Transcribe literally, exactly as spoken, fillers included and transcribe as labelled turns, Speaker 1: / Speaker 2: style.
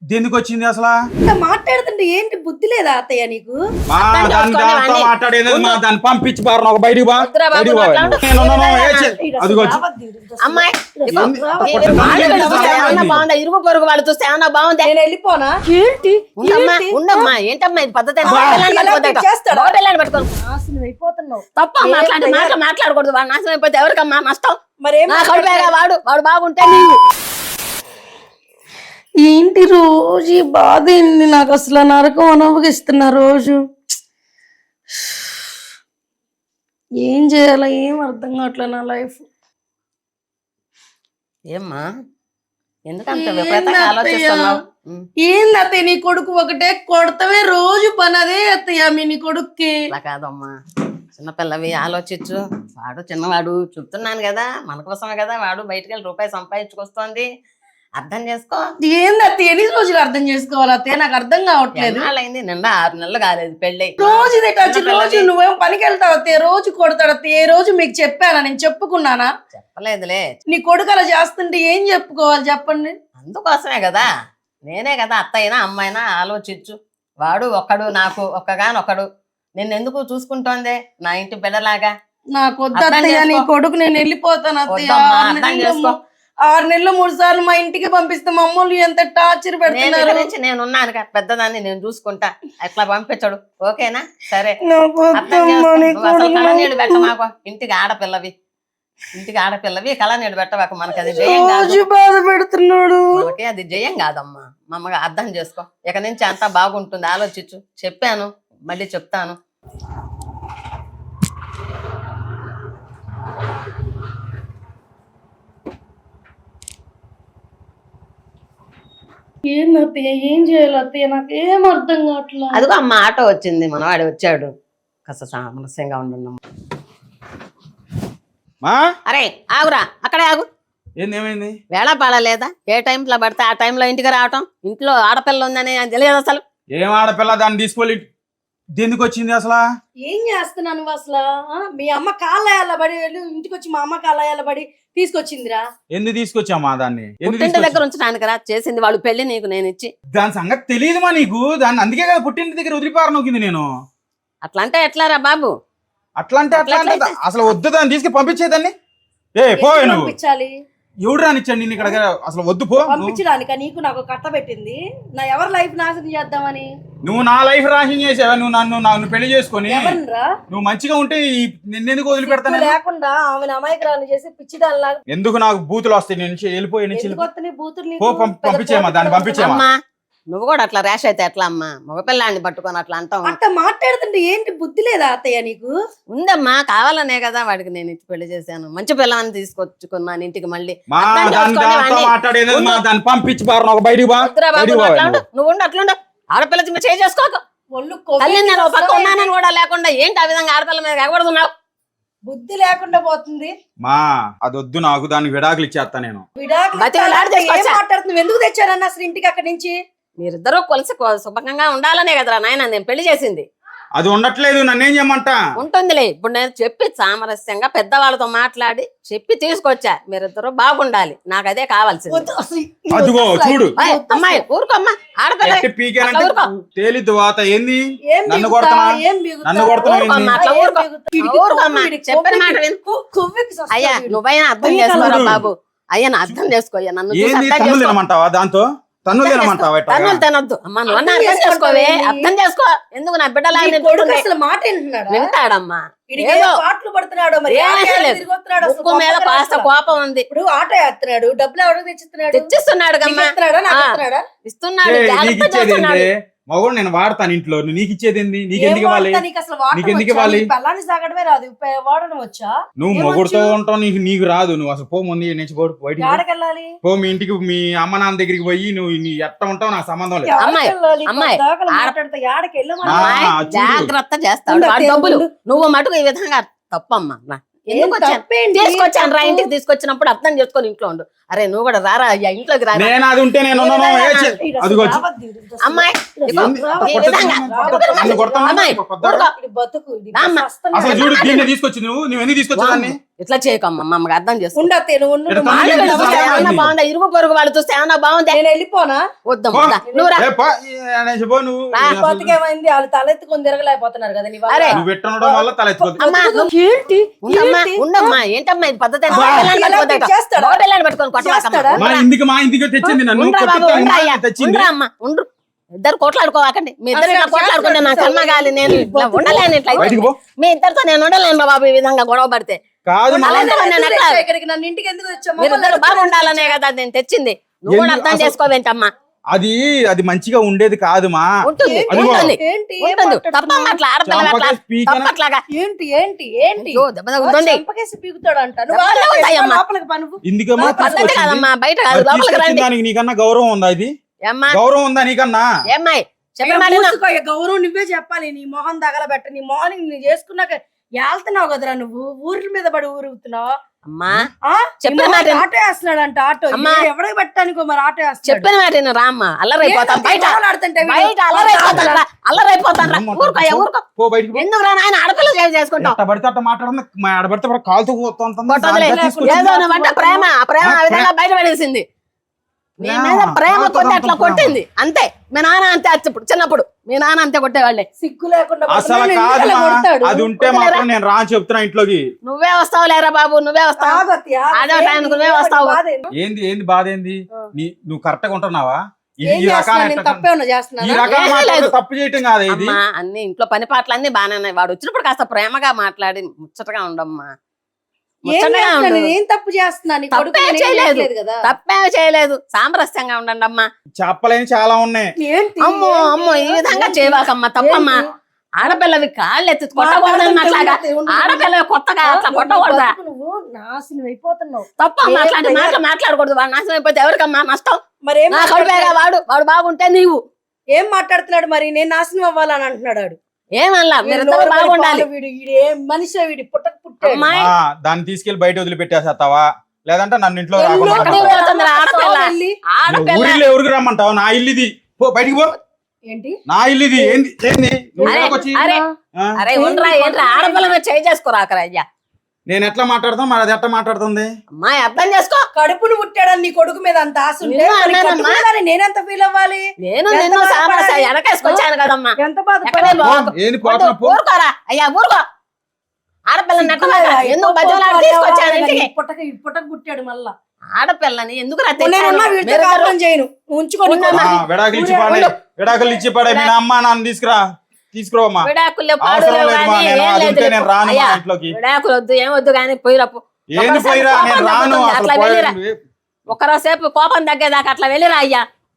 Speaker 1: దేనికి వచ్చింది అసలు
Speaker 2: మాట్లాడుతుంటే ఏంటి బుద్ధి లేదా అత్తయ్య నీకు?
Speaker 1: మా దాని దాంతో మాట్లాడేది మా దాన్ని పంపించి బారు ఒక బయటికి బా బయటికి బా నేను ఉన్నాను అదిగో
Speaker 3: అమ్మాయి బాగుందా ఇరుగు పొరుగు వాళ్ళు చూస్తే ఏమన్నా బాగుంది
Speaker 2: నేను వెళ్ళిపోనా? ఏంటి
Speaker 3: ఉండమ్మా ఉండమ్మా ఏంటమ్మా ఇది పద్ధతి
Speaker 2: నాశనం అయిపోతున్నావు.
Speaker 3: తప్ప మాట్లాడి మాట మాట్లాడకూడదు వాడు నాశనం అయిపోతే ఎవరికమ్మా నష్టం
Speaker 2: మరేం
Speaker 3: నా కడుపేగా వాడు వాడు బాగుంటే నీవు
Speaker 2: ఏంటి రోజు ఈ బాధ ఏంటి నాకు అసలు నరకం అనుభవిస్తున్నా రోజు. ఏం చేయాలో ఏం అర్థం కావట్లే నా లైఫ్.
Speaker 3: ఏమ్మా ఎందుకంత విపరీతంగా ఆలోచిస్తున్నావు?
Speaker 2: ఏంది అత్తయ్య నీ కొడుకు ఒకటే కొడతవే రోజు పని అదే అత్తయ్య మీ నీ కొడుక్కి.
Speaker 3: అలా కాదమ్మా చిన్నపిల్లవి ఆలోచించు. వాడు చిన్నవాడు చెప్తున్నాను కదా మన కోసమే కదా వాడు బయటకు వెళ్ళి రూపాయి సంపాదించుకొస్తోంది. అర్థం చేసుకో.
Speaker 2: ఏంది అత్తయ్య ఎన్ని రోజులు అర్థం చేసుకోవాలి అత్తయ్య? నాకు అర్థం కావట్లేదు.
Speaker 3: అయింది నిన్న ఆరు నెలలు కాలేదు పెళ్ళి.
Speaker 2: రోజు ఇదే టచ్. రోజు నువ్వేం పనికి వెళ్తావు అత్తయ్య? రోజు కొడతాడు అత్తయ్య. ఏ రోజు మీకు చెప్పానా? నేను చెప్పుకున్నానా?
Speaker 3: చెప్పలేదులే.
Speaker 2: నీ కొడుకు అలా చేస్తుంటే ఏం చెప్పుకోవాలి చెప్పండి?
Speaker 3: అందుకోసమే కదా నేనే కదా అత్తయినా అమ్మాయినా ఆలోచించు. వాడు ఒక్కడు నాకు ఒక్కగానొక్కడు. నిన్ను ఎందుకు చూసుకుంటోందే నా ఇంటి బిడ్డలాగా?
Speaker 2: నాకు వద్దు అత్తయ్య నీ కొడుకు. నేను వెళ్ళిపోతాను అత్తయ్య.
Speaker 3: అర్థం చేసుకో.
Speaker 2: ఆరు నెలలు మూడు సార్లు మా ఇంటికి పంపిస్తే మమ్మల్ని ఎంత టార్చర్ పెడుతున్నారు.
Speaker 3: నేను ఉన్నాను పెద్దదాన్ని నేను చూసుకుంటా. ఎట్లా పంపించడు ఓకేనా? సరే కళనీళ్ళు పెట్ట మాకు. ఇంటికి ఆడపిల్లవి ఇంటికి ఆడపిల్లవి కళనీళ్ళు పెట్టవాకు. మనకి అది జయం కాదు.
Speaker 2: బాధ పెడుతున్నాడు.
Speaker 3: మనకి అది జయం కాదమ్మా. మమ్మగా అర్థం చేసుకో. ఇక నుంచి అంతా బాగుంటుంది. ఆలోచించు. చెప్పాను మళ్ళీ చెప్తాను.
Speaker 2: ఏంది అత్తయ్య ఏం చేయాలి అత్తయ్య? నాకు ఏం అర్థం కావట్లేదు.
Speaker 3: అదిగో అమ్మ ఆటో వచ్చింది. మనవాడు వచ్చాడు. కాస్త సామరస్యంగా ఉండున్నాం. అరే ఆగురా అక్కడే ఆగు.
Speaker 1: ఏమైంది?
Speaker 3: వేళ పాడలేదా? ఏ టైంలో పడితే ఆ టైంలో ఇంటికి రావటం. ఇంట్లో ఆడపిల్ల ఉందని తెలియదు అసలు.
Speaker 1: ఏం ఆడపిల్ల? దాన్ని తీసుకోవాలి. దేనికి వచ్చింది అసలు?
Speaker 2: ఏం చేస్తున్నాను అసలు? మీ అమ్మ కాళ్ళ పడి ఇంటికి వచ్చి మా అమ్మ కాళ్ళ పడి తీసుకొచ్చిందిరా.
Speaker 1: ఎందుకు తీసుకొచ్చామా దాన్ని?
Speaker 3: పుట్టింటి దగ్గర ఉంచడానికి రా చేసింది. వాళ్ళు పెళ్లి నీకు నేను ఇచ్చి.
Speaker 1: దాని సంగతి తెలియదుమా నీకు? దాన్ని అందుకే కదా పుట్టింటి దగ్గర వదిలిపారు నొక్కింది నేను.
Speaker 3: అట్లా అంటే ఎట్లారా బాబు?
Speaker 1: అట్లా అంటే అట్లా అంటే అసలు వద్దు. దాన్ని తీసుకు పంపించేదాన్ని. ఏ పోయి నువ్వు. పంపించాలి. ఎవడు రానిచ్చాడు నిన్ను ఇక్కడ? అసలు వద్దు పో.
Speaker 2: పంపించడానిక నీకు నాకు కట్ట పెట్టింది? నా ఎవరి లైఫ్ నాశనం చేద్దామని?
Speaker 1: నువ్వు నా లైఫ్ నాశనం చేసావా? నువ్వు నన్ను నన్ను పెళ్లి చేసుకొని నువ్వు మంచిగా ఉంటే నిన్నెందుకు వదిలిపెడతాను?
Speaker 2: లేకుండా ఆమె అమాయకురాలు చేసి పిచ్చిదాల్లా.
Speaker 1: ఎందుకు నాకు బూతులు వస్తాయి? నేను వెళ్ళిపోయి
Speaker 2: బూతులు
Speaker 1: పంపించేమా దాన్ని పంపించేమా.
Speaker 3: నువ్వు కూడా అట్లా ర్యాష్ అయితే ఎట్లా అమ్మా? మగపిల్లాన్ని పట్టుకొని అట్లా అంటావు.
Speaker 2: అట్లా మాట్లాడుతుంటే ఏంటి బుద్ధి లేదా అత్తయ్య నీకు?
Speaker 3: ఉందమ్మా కావాలనే కదా వాడికి నేను ఇచ్చి పెళ్లి చేశాను. మంచి పిల్లని తీసుకొచ్చుకున్నాను ఇంటికి. మళ్ళీ
Speaker 1: పంపించి నువ్వు
Speaker 3: ఉండు అట్లుండు. ఆడపిల్ల చేయి చేసుకోక తల్లి నేను పక్క ఉన్నానని కూడా లేకుండా ఏంటి ఆ విధంగా ఆడపిల్ల మీద ఎగబడుతున్నావు?
Speaker 2: బుద్ధి లేకుండా పోతుంది.
Speaker 1: మా అది వద్దు నాకు. దాన్ని విడాకులు ఇచ్చేస్తా నేను.
Speaker 2: మాట్లాడుతున్నావు ఎందుకు తెచ్చారన్న అసలు ఇంటికి అక్కడి నుంచి?
Speaker 3: మీరిద్దరూ కొలిసి శుభంగా ఉండాలనే కదరా నాయన నేను పెళ్లి చేసింది.
Speaker 1: అది ఉండట్లేదు. నన్నేం చేయమంటా?
Speaker 3: ఉంటుందిలే. ఇప్పుడు నేను చెప్పి సామరస్యంగా పెద్దవాళ్ళతో మాట్లాడి చెప్పి తీసుకొచ్చా. మీరిద్దరూ బాగుండాలి. నాకు అదే కావాల్సింది.
Speaker 1: అదిగో చూడు
Speaker 3: అమ్మాయి ఊరుకోమ్మా. ఆడపిల్ల
Speaker 1: తేలిద్దు వాత ఏంది? నన్ను కొడుతున్నా నన్ను కొడుతున్నా
Speaker 3: చెప్పిన మాట అయ్యా నువ్వైనా అర్థం చేసుకోరా బాబు. అయ్యా నా అర్థం చేసుకో. అయ్యా నన్ను
Speaker 1: తినమంటావా? దాంతో తన్నులు తినమంటావా?
Speaker 3: తన్నులు తినొద్దు అమ్మా. నువ్వు అర్థం చేసుకోవే. అర్థం చేసుకో. ఎందుకు నా బిడ్డలా
Speaker 2: మాట వింటున్నాడు?
Speaker 3: వింటాడమ్మా. ఉప్పు మీద కాస్త కోపం ఉంది.
Speaker 2: ఇప్పుడు ఆటో వేస్తున్నాడు. డబ్బులు ఎవరికి తెచ్చిస్తున్నాడు?
Speaker 3: తెచ్చిస్తున్నాడు కమ్మా. ఇస్తున్నాడు. జాగ్రత్త చేస్తున్నాడు.
Speaker 1: మగోడు నేను వాడతాను ఇంట్లో. నీకు ఇచ్చేది ఏంది? నీకెందుకు ఇవ్వాలి? నీకెందుకు ఇవ్వాలి?
Speaker 2: సాగడమే రాదు వాడడం వచ్చా?
Speaker 1: నువ్వు మొగుడుతో ఉంటావు. నీకు నీకు రాదు. నువ్వు అసలు పో ముందు నుంచి పోడు బయటికి పో. మీ ఇంటికి మీ అమ్మ నాన్న దగ్గరికి పోయి నువ్వు ఎట్ట ఉంటావు నాకు సంబంధం లేదు.
Speaker 3: అమ్మాయి అమ్మాయి జాగ్రత్త చేస్తాడు డబ్బులు. నువ్వు మటుకు ఈ విధంగా తప్పమ్మా. తీసుకొచ్చాను రా ఇంటికి. తీసుకొచ్చినప్పుడు అర్థం చేసుకొని ఇంట్లో ఉండు. అరే నువ్వు కూడా రారా అయ్యా ఇంట్లోకి రా. అమ్మాయి
Speaker 1: చూడు తీసుకొచ్చి నువ్వు నువ్వు ఎందుకు తీసుకొచ్చావు?
Speaker 3: ఇట్లా చేయకమ్మా మమ్మల్ని అర్థం చేసుకో
Speaker 2: ఉండతే నువ్వు ఉండు,
Speaker 1: ఇక్కడ
Speaker 2: నువ్వు
Speaker 1: తమ్ముడు
Speaker 2: మాట్లాడు.
Speaker 1: ఎందుకు
Speaker 3: చూస్తే ఏమన్నా బాగుందా ఇరుగు పొరుగు వాళ్ళు చూస్తే ఏమన్నా బాగుందా
Speaker 2: నేను వెళ్ళిపోనా
Speaker 3: వద్దమ్మా దా, నువ్వు రా
Speaker 1: ఏ పా, ఏ అనేసి పో నువ్వు
Speaker 3: రా.
Speaker 1: అసలు
Speaker 2: బతికేమైంది వాళ్ళు తలెత్తుకొని తిరగలేకపోతున్నారు కదా నీ వల్ల.
Speaker 3: అరే.
Speaker 1: నువ్వు పెట్టడం వల్ల తల ఎత్తుకోదు
Speaker 3: అమ్మా నువ్వు
Speaker 2: ఏంటి
Speaker 3: ఉండమ్మా
Speaker 2: ఏంటి?
Speaker 3: ఉండమ్మా ఏంటమ్మా ఇది పద్ధతి
Speaker 2: బా. చేస్తాడా?
Speaker 3: పట్టుకొని
Speaker 2: చేస్తాడా?
Speaker 1: మా ఇంటికి మా ఇంటికి తెచ్చింది నన్ను
Speaker 3: ఉండరా బాబు
Speaker 1: కొట్టిస్తాను,
Speaker 3: ఉండరా
Speaker 1: మా
Speaker 3: అయ్యా,
Speaker 1: తెచ్చింది
Speaker 3: ఉండరా అమ్మా ఉండ్రు ఇద్దరు కొట్లాడుకోవాకండి మీ ఇద్దరు
Speaker 2: అసలు
Speaker 3: ఇట్లా కొట్లాడుకుంటే నా
Speaker 2: చేస్తాడు,
Speaker 3: కర్మగాలి నేను ఇట్లా ఉండలేను ఇట్లా
Speaker 1: బయటికి పో.
Speaker 3: మీ ఇద్దరితో నేను ఉండలేను రా బాబు ఈ విధంగా గొడవ పడితే
Speaker 1: కాదు
Speaker 3: అలానే
Speaker 1: నువ్వు-
Speaker 3: నేను
Speaker 2: ఎందుకు
Speaker 3: ఎట్లా-
Speaker 2: తెచ్చావు ఇక్కడికి? నన్ను ఇంటికి ఎందుకు తెచ్చావు?
Speaker 3: మీరు
Speaker 2: మమ్మల్ని
Speaker 3: ఇద్దరు
Speaker 2: ఎందుకు
Speaker 3: బాగుండాలనే కదా నేను తెచ్చింది నువ్వు కూడా
Speaker 1: ఎందుకు
Speaker 3: అర్థం
Speaker 1: అసలు-
Speaker 3: చేసుకోవేంటమ్మా
Speaker 1: అది అది మంచిగా ఉండేది కాదు మా
Speaker 3: ఉంటుంది
Speaker 1: అదిగో.
Speaker 3: ఉంటుంది
Speaker 2: ఏంటి ఏం
Speaker 3: ఉంటుంది
Speaker 2: మాట్లాడుతున్నావు?
Speaker 3: తప్పమ్మ అట్లా ఆడపిల్ల అట్లా
Speaker 1: చంపకేసి పీకన-
Speaker 3: తప్పట్లాగా
Speaker 2: ఏంటి ఏంటి ఏంటి
Speaker 3: అయ్యో, దెబ్బ తగులుతుంది.
Speaker 2: చంపకేసి పీకుతాడంట. నువ్వు
Speaker 3: దెబ్బ
Speaker 2: ఆలోచించు,
Speaker 3: తగులుతాయమ్మా.
Speaker 2: లోపలికి పా నువ్వు.
Speaker 1: ఇందుకమ్మా
Speaker 2: పద్ధతి
Speaker 3: పద్ధతి
Speaker 1: తీసుకొచ్చింది.
Speaker 3: కాదమ్మా బయట కాదు
Speaker 1: మరి
Speaker 3: లోపలికి
Speaker 1: తీసుకొచ్చిన
Speaker 3: రండి
Speaker 1: దానికి నీకన్నా గౌరవం ఉందా ఇది
Speaker 3: ఏమ్మా
Speaker 1: గౌరవం ఉందా నీకన్నా
Speaker 3: ఏమ్మాయి చెప్పిన
Speaker 2: అయ్యో,
Speaker 3: మాట విను.
Speaker 2: మూసుకో, అయ్యో, గౌరవం నువ్వే చెప్పాలి. నీ మొహం తగలబెట్ట. నీ మార్నింగ్ నువ్వు చేసుకున్నాక వెళ్తున్నావు కదరా నువ్వు ఊరి మీద పడి ఊరుగుతున్నావు.
Speaker 3: అమ్మా
Speaker 2: ఆ?
Speaker 3: చెప్పిన
Speaker 2: ఈ మొహం
Speaker 3: మాట విను.
Speaker 2: ఆటో వేస్తున్నాడంట ఆటో.
Speaker 3: అమ్మా.
Speaker 2: ఇది ఎవరికి పెట్టడానికో మరి ఆటో వేస్తున్నాడు.
Speaker 3: చెప్పిన మాట విను, రా అమ్మా అల్లరైపోతాం
Speaker 2: ఏంటంటే
Speaker 3: బయట
Speaker 2: గొడవలు ఆడుతుంటే వీడు-
Speaker 3: బయట అల్లరైపోతాను రా అల్లరైపోతాను రా
Speaker 1: అమ్మ,
Speaker 3: ఊరుకో అయ్యా, ఊరుకో
Speaker 1: పో బయటికి పో.
Speaker 3: ఎందుకు రా నాయన ఆడపిల్ల సేవ్ చేసుకుంటావు
Speaker 1: ఎట్ట పడితే అట్ట మాట్లాడడం మా ఆడబడితే అప్పుడు కాలుతో పోతుంది.
Speaker 3: కొట్టదులే.
Speaker 1: దాంట్లో తీసుకొచ్చి-
Speaker 3: ఏదో నువ్వు అంటే ప్రేమ ఆ ప్రేమ ఆ విధంగా బయట పడేసింది మీ మీద ప్రేమ కొట్టి అట్లా కొట్టింది అంతే మీ నాన్న అంతే అచ్చ- ఇప్పుడు చిన్నప్పుడు మీ నాన్న అంతే కొట్టేవాళ్ళే
Speaker 2: సిగ్గు లేకుండా
Speaker 1: అసలు
Speaker 2: పడుతున్నాడు,
Speaker 1: కాదు
Speaker 2: ఎందుకలా
Speaker 1: మా.
Speaker 2: కొడతాడు?
Speaker 1: అది ఉంటే మాత్రం నేను రా అని చెప్తున్నా ఇంట్లోకి.
Speaker 3: నువ్వే వస్తావు లేరా బాబు నువ్వే వస్తావు
Speaker 2: ఆగు అత్తయ్య, ఆగు.
Speaker 3: అదే
Speaker 2: ఏంటి?
Speaker 3: టైంకి నువ్వే
Speaker 2: ఏంటి
Speaker 3: వస్తావు.
Speaker 2: బాధ ఏంటి?
Speaker 1: ఏంది ఏంది బాధ ఏంది
Speaker 2: ఆ.
Speaker 1: నీ నువ్వు కరెక్ట్ గా ఉంటున్నావా ఈ
Speaker 2: ఏం
Speaker 1: ఈ రకాల
Speaker 2: చేస్తున్నాను? నేను తప్పే ఉన్నా
Speaker 1: ఈ
Speaker 2: చేస్తున్నానా?
Speaker 1: రకాల
Speaker 3: ఏమీ
Speaker 1: మాటలు
Speaker 3: లేదు.
Speaker 1: తప్పు చేయటం కాదు ఇది
Speaker 3: అమ్మా అన్ని ఇంట్లో పని పాటలు అన్ని బాగానే ఉన్నాయి వాడు వచ్చినప్పుడు కాస్త ప్రేమగా మాట్లాడి ముచ్చటగా ఉండమ్మా
Speaker 2: ఏం
Speaker 3: ముచ్చటగా
Speaker 2: చేస్తున్నాను?
Speaker 3: ఉండు
Speaker 2: నేను ఏం తప్పు చేస్తున్నా? నీ కొడుకు
Speaker 3: తప్పే
Speaker 2: నేను ఏం
Speaker 3: చేయలేదు.
Speaker 2: చేయట్లేదు కదా.
Speaker 3: తప్పేమీ చేయలేదు సామరస్యంగా ఉండండి అమ్మా
Speaker 1: చెప్పలేని చాలా ఉన్నాయి.
Speaker 2: ఏంటి?
Speaker 3: అమ్మో
Speaker 2: ఏంటి?
Speaker 3: అమ్మో ఈ విధంగా
Speaker 2: ఏంటి?
Speaker 3: చేయవాకమ్మా తప్పమ్మా
Speaker 2: ఏంటి?
Speaker 3: ఆడపిల్లవి కాళ్ళు ఎత్తి కొట్టకూడదని
Speaker 2: మాట్లాడుతుంటే
Speaker 3: అట్లాగా
Speaker 2: ఉండు, ఉండు.
Speaker 3: ఆడపిల్లవి కొత్తగా అట్లా
Speaker 2: నువ్వు
Speaker 3: కొట్టకూడదా
Speaker 2: బతుకు నువ్వు నాశనం అయిపోతున్నావు.
Speaker 3: తప్పమ్మా
Speaker 2: ఏం
Speaker 3: అట్లాంటి
Speaker 2: భయం?
Speaker 3: మాటలు మాట్లాడకూడదు వాడు నాశనం అయిపోతే ఎవరికమ్మా నష్టం
Speaker 2: మరేం
Speaker 3: నా కడుపేగా వాడు వాడు బాగుంటే నీవు
Speaker 2: ఏం మాట్లాడుతున్నాడు మరి? నేను నాశనం అవ్వాలని అంటున్నాడు వాడు.
Speaker 3: ఏమల్లా
Speaker 2: వీడు
Speaker 3: మీరిద్దరు
Speaker 2: నోరు పడి
Speaker 3: బాగుండాలి
Speaker 2: పాలు వీడు, వీడు ఏం మనిషి వీడి పుట్టక పుట్టాడు.
Speaker 3: అమ్మాయి
Speaker 1: ఆ, దాన్ని తీసుకెళ్లి బయట వదిలిపెట్టేసేస్తావా లేదంటే నన్ను ఇంట్లో
Speaker 2: ఎల్లు
Speaker 1: రాకుండా
Speaker 3: ఎక్కడికి
Speaker 1: రమ్మంటావా?
Speaker 3: పోతుంది రా ఆడపిల్ల
Speaker 2: వెళ్ళి.
Speaker 3: ఆడపిల్ల
Speaker 1: ఊరిలో ఎవరికి రమ్మంటావు నా ఇల్లు ఇది పో బయటికి పో
Speaker 2: ఏంటి?
Speaker 1: నా ఇల్లు ఇది ఏంది ఏంది నువ్వు
Speaker 3: అరే
Speaker 1: ఇక్కడికి వచ్చి
Speaker 3: అరే
Speaker 1: ఆ?
Speaker 3: అరే ఉండరా ఏంట్రా ఆడపిల్ల మీద చేయి చేసుకోరాకరా అయ్యా
Speaker 1: నేను ఎట్లా మాట్లాడతాం మరి అది ఎట్లా మాట్లాడుతుంది
Speaker 3: అమ్మాయి అర్థం చేసుకో
Speaker 2: కడుపును పుట్టాడని నీ కొడుకు మీద అంత ఆశ ఉంటే
Speaker 3: నిన్ను
Speaker 2: మరి
Speaker 3: అన్నానమ్మా.
Speaker 2: కట్టుకున్నాడని నేనెంత ఫీల్ అవ్వాలి?
Speaker 3: నేను
Speaker 2: ఎంత
Speaker 3: నిన్ను సామరస్య
Speaker 2: బాధపడాలి?
Speaker 3: వెనకేసుకొచ్చాను కదమ్మా
Speaker 2: ఎంత
Speaker 3: ఎక్కడే
Speaker 2: బాధపడాలి?
Speaker 3: బాగు
Speaker 1: ఏంది పోతున్నా పో
Speaker 3: ఊరుకోరా అయ్యా ఊరుకో ఆడపిల్లని నెట్టమాక
Speaker 2: సిగ్గులేదా?
Speaker 3: ఎందుకు
Speaker 2: ఇంకో
Speaker 3: బతిలాడి
Speaker 2: పోటు
Speaker 3: తీసుకొచ్చాను
Speaker 2: పడేవాడు
Speaker 3: ఇంటికి
Speaker 2: ఈ పుట్టక ఈ పుట్టక పుట్టాడు మళ్ళా.
Speaker 3: ఆడపిల్లని ఎందుకు రా
Speaker 2: నేనున్నా వీడితో కాపురం చేయను. నువ్వు ఉంచుకొని
Speaker 3: ఉన్నా
Speaker 1: ఆ, విడాకులు ఇచ్చి పాడే విడాకులు ఇచ్చి పాడే మీ అమ్మ నాన్న తీసుకురా తీసుకురావమ్మా
Speaker 3: విడాకులు
Speaker 1: అవసరం లేదు మా, నేను అది ఉంటే నేను రాను మా ఇంట్లోకి.
Speaker 3: విడాకులు వద్దు ఏం వద్దు కానీ పోయిరప్పు
Speaker 1: ఏంది పోయిరా నేను రాను అసలు
Speaker 3: అట్లా వెళ్ళిరా
Speaker 1: పోయి-
Speaker 3: ఒకరోసేపు కోపం తగ్గేదాకా అట్లా వెళ్ళిరా అయ్యా